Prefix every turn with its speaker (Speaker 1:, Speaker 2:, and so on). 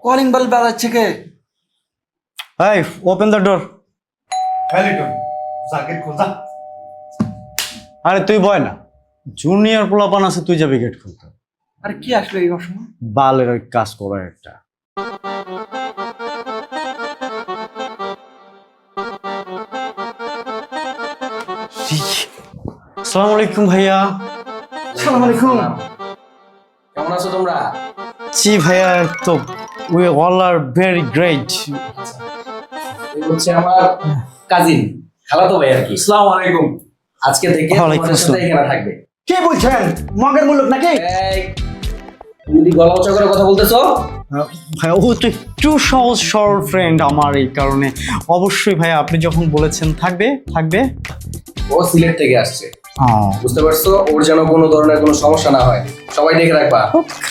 Speaker 1: Calling bell বাজাচ্ছে কে?
Speaker 2: এই open the door. আরে তুই বয় না, জুনিয়র পোলাপান আছে, তুই যাবি গেট খুলতে।
Speaker 1: আরে কি আসলো এই অসময়?
Speaker 2: বালের ওই কাজ করার একটা। আসসালামু আলাইকুম ভাইয়া।
Speaker 1: আসসালামু আলাইকুম।
Speaker 3: কেমন আছো তোমরা?
Speaker 2: জি ভাইয়া, তো we all are very great.
Speaker 3: এই হচ্ছে আমার কাজিন, খালাতো ভাই আর কি।
Speaker 1: আসসালামু আলাইকুম।
Speaker 3: আজকে থেকে
Speaker 2: ওয়ালাইকুম
Speaker 3: তোমাদের সাথে
Speaker 2: আসসালাম।
Speaker 3: এখানে থাকবে।
Speaker 1: কি বলছেন? মগের মূল্য নাকি?
Speaker 3: এই, তুমি যদি গলা উঁচা করে কথা বলতেছো?
Speaker 2: ভাইয়া ও তো একটু সহজ সরল ফ্রেন্ড আমার, এই কারণে অবশ্যই ভাইয়া আপনি যখন বলেছেন থাকবে থাকবে।
Speaker 3: ও সিলেট থেকে আসছে, বুঝতে পারছো? ওর যেন কোনো ধরনের কোনো সমস্যা না হয়, সবাই দেখে রাখবা।